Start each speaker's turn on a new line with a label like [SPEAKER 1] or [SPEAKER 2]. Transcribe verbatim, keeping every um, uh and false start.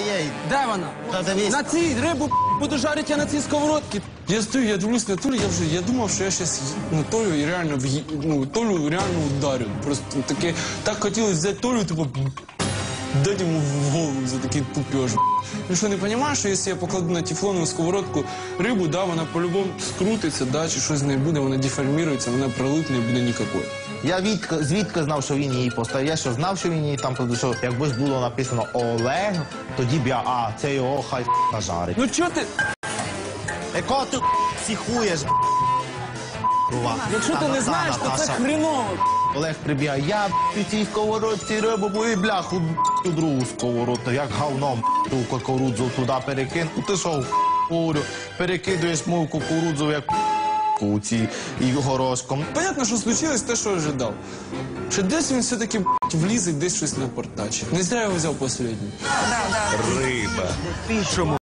[SPEAKER 1] Ей,
[SPEAKER 2] Де вона?
[SPEAKER 1] та дивись.
[SPEAKER 2] На цій рибу буду жарити я на цій сковородці. Я стою, я дивлюсь на Толю, я вже, я думав, що я зараз на Толю і реально, в'ї- ну, Толю реально ударю. Просто таке, так хотілося взяти Толю, типу, дати йому в голову за такий пупеж. Ну що, не розумієш, що якщо я покладу на тефлонову сковородку рибу, да, вона по-любому скрутиться, да, чи щось з нею буде, вона деформується, вона пролипне і буде ніякої.
[SPEAKER 1] Я відки, звідки знав, що він її поставив. Я що знав, що він її там, тому що якби ж було написано Олег, тоді б я, а, це його хай жарить.
[SPEAKER 2] Ну чого ти?
[SPEAKER 1] Яко ти психуєш, Рува?
[SPEAKER 2] Якщо ти не знаєш, то це хреново.
[SPEAKER 1] Олег прибігає, я в цій сковородці рибу, бо і бляху у другу сковородку, як говном ту кукурудзу туди перекину. Ти що, говорю, перекидуєш мою кукурудзу, як у ці і горошком.
[SPEAKER 2] Понятно, що случилось те, що ожидав. Що десь він все-таки влізе, десь щось напортачить. Не зря я його взяв останній.
[SPEAKER 3] Риба. Чому